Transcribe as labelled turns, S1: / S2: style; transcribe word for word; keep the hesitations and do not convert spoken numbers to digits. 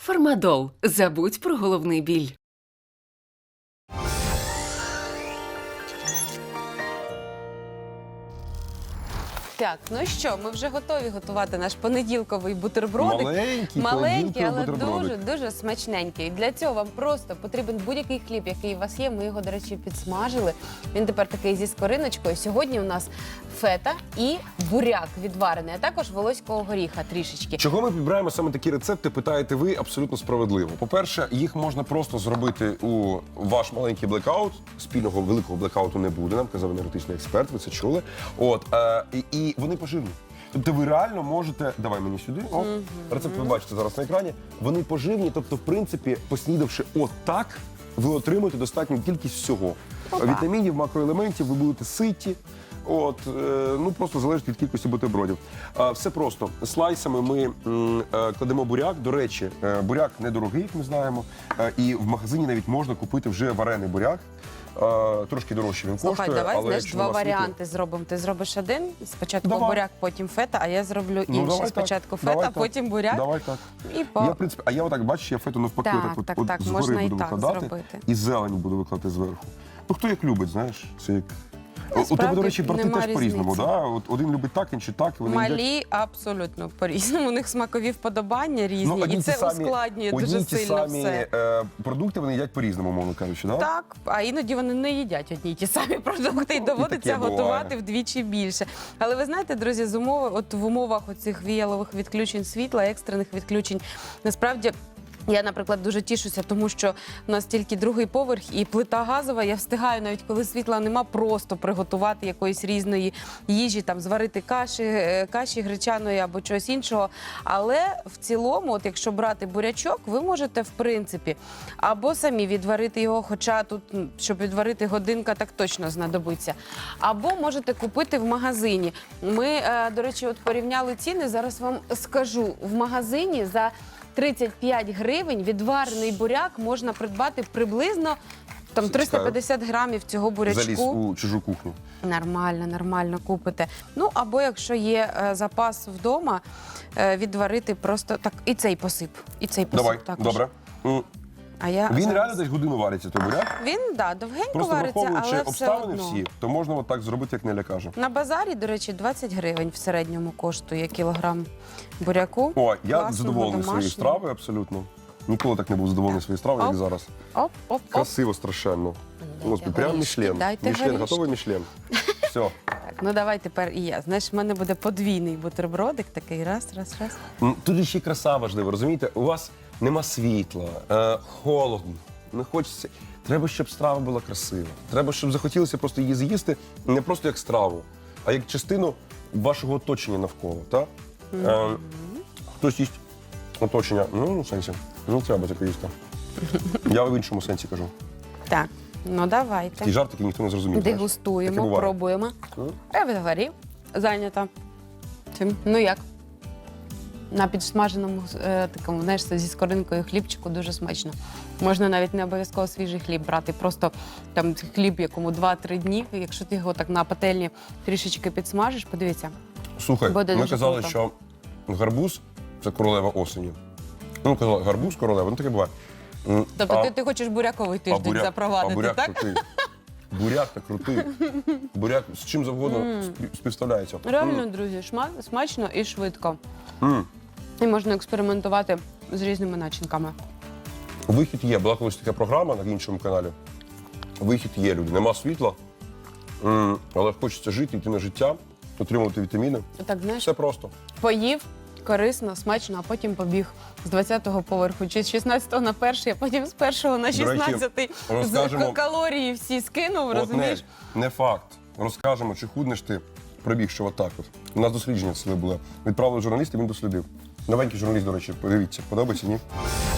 S1: Фармадол. Забудь про головний біль.
S2: Так, ну що, ми вже готові готувати наш понеділковий бутербродик.
S3: Маленький,
S2: Маленький, але
S3: бутербродик.
S2: дуже, дуже смачненький. Для цього вам просто потрібен будь-який хліб, який у вас є. Ми його, до речі, підсмажили. Він тепер такий зі скориночкою. Сьогодні у нас фета і буряк відварений, а також волоського горіха трішечки.
S3: Чого ми підбираємо саме такі рецепти, питаєте ви, абсолютно справедливо. По-перше, їх можна просто зробити у ваш маленький блекаут. Спільного великого блекауту не буде, нам казав енергетичний експерт, ви це чули. От, е, і, і вони поживні. Тобто ви реально можете, давай мені сюди, о, рецепт ви бачите зараз на екрані, вони поживні, тобто, в принципі, поснідавши отак, ви отримуєте достатню кількість всього.
S2: Опа.
S3: Вітамінів, макроелементів, ви будете ситі. От, е, ну просто залежить від кількості бутербродів. Е, все просто. Слайсами ми м, е, кладемо буряк. До речі, е, буряк недорогий, як ми знаємо. Е, і в магазині навіть можна купити вже варений буряк. Е, трошки дорожче він
S2: Слухай,
S3: коштує.
S2: давай,
S3: але
S2: знаєш,
S3: якщо
S2: два
S3: у вас
S2: варіанти зробимо. Ти зробиш один, спочатку
S3: Давай.
S2: буряк, потім фета, а я зроблю
S3: Ну,
S2: інший.
S3: давай так,
S2: Спочатку фета,
S3: давай
S2: а
S3: так.
S2: потім буряк.
S3: Давай так.
S2: І по...
S3: Я, в принципі, а я отак, бачиш, я фету навпаки
S2: Так,
S3: отак от,
S2: так,
S3: от
S2: так,
S3: згори
S2: можна і
S3: буду
S2: так
S3: викладати.
S2: зробити.
S3: І зелень буду викладати зверху. Ну, хто як любить, знаєш, це як... У тебе,
S2: Насправді,
S3: до речі, брати
S2: нема
S3: теж по-різному,
S2: різниці.
S3: да? От один любить так, інший так, і вони їдять.
S2: Малі абсолютно по-різному. У них смакові вподобання різні,
S3: Ну, одні
S2: і
S3: ті
S2: це
S3: самі-
S2: ускладнює
S3: одні
S2: дуже
S3: ті
S2: сильно
S3: самі,
S2: все.
S3: е, продукти вони їдять по-різному, мовно кажучи, да?
S2: Так, а іноді вони не їдять одні й ті самі продукти, і доводиться
S3: таке
S2: готувати
S3: буває.
S2: вдвічі більше. Але ви знаєте, друзі, з умови, от в умовах оцих віялових відключень світла, екстрених відключень, насправді. Я, наприклад, дуже тішуся, тому що у нас тільки другий поверх і плита газова. Я встигаю, навіть коли світла нема, просто приготувати якоїсь різної їжі, там зварити каші, е, каші гречаної або чогось іншого. Але в цілому, от якщо брати бурячок, ви можете, в принципі, або самі відварити його, хоча тут, м, щоб відварити, годинка так точно знадобиться. Або можете купити в магазині. Ми, е, до речі, от порівняли ціни, зараз вам скажу. В магазині за тридцять п'ять гривень відварений буряк можна придбати приблизно там триста п'ятдесят грамів цього бурячку.
S3: Заліз у чужу кухню.
S2: Нормально, нормально купите. Ну, або якщо є е, запас вдома, е, відварити просто так і цей посип, і цей посип
S3: Давай,
S2: також.
S3: добре. М,
S2: А я
S3: Він
S2: зараз-
S3: реально десь годину вариться, той буряк.
S2: Він, да, довгенько
S3: Просто
S2: вариться,
S3: враховуючи
S2: але все
S3: обставини
S2: одно.
S3: всі, то можна от так зробити, як Неля каже.
S2: На базарі, до речі, двадцять гривень в середньому коштує кілограм буряку.
S3: О, я
S2: Класного,
S3: задоволений своєю
S2: домашнього.
S3: стравою абсолютно. Ніколи так не був задоволений своєю стравою, як
S2: Оп.
S3: зараз.
S2: Оп, оп, оп.
S3: Красиво страшенно. Господи, прям
S2: горішки,
S3: Мішлен.
S2: дайте
S3: Мішлен,
S2: горішки.
S3: готовий Мішлен. Все.
S2: Так, ну давай тепер і я. Знаєш, в мене буде подвійний бутербродик, такий раз, раз, раз.
S3: М, Тут ще й краса важлива, розумієте? У вас нема світла, е, холодно, не хочеться. Треба, щоб страва була красива. Треба, щоб захотілося просто її з'їсти не просто як страву, а як частину вашого оточення навколо. Так? Е, хтось їсть оточення, ну, в сенсі, не треба таке їсти. Я в іншому сенсі кажу.
S2: Так, ну давайте.
S3: Такий жарт, який ніхто не зрозумів. знаєш. Таке
S2: Дегустуємо,
S3: буває.
S2: пробуємо.
S3: Ну,
S2: Я відговорі, зайнята. Цим. Ну як? На підсмаженому е, такому, знаєш, зі скоринкою хлібчику дуже смачно. Можна навіть не обов'язково свіжий хліб брати, просто там хліб, якому два-три дні, якщо ти його так на пательні трішечки підсмажиш, подивіться.
S3: Слухай,
S2: Буде
S3: ми
S2: дуже
S3: казали,
S2: круто.
S3: що гарбуз це королева осені. Ну, казали, гарбуз королева, ну таке буває. М,
S2: Тобто
S3: а-
S2: ти, ти хочеш буряковий
S3: а
S2: тиждень
S3: буряк-
S2: запровадити,
S3: а буряк
S2: так?
S3: крутий. Буряк так крутий. Буряк з чим завгодно спів- співставляється.
S2: Реально, друзі, шма- смачно і швидко.
S3: М.
S2: І можна експериментувати з різними начинками.
S3: Вихід є. Була колись така програма на іншому каналі. Вихід є, люди. Нема світла, м, але хочеться жити, йти на життя, отримувати вітаміни.
S2: Так, знаєш,
S3: Все просто.
S2: поїв, корисно, смачно, а потім побіг з двадцятого поверху, чи з шістнадцятого на перший, а потім з першого на
S3: До речі,
S2: шістнадцятий.
S3: розкажемо-
S2: З калорії всі скинув,
S3: От не,
S2: розумієш?
S3: не факт. Розкажемо, чи худнеш ти, пробігши отак от. У нас дослідження це були. Відправили журналіста, він дослідив. Новенький журналіст, до речі, подивіться, подобається, ні?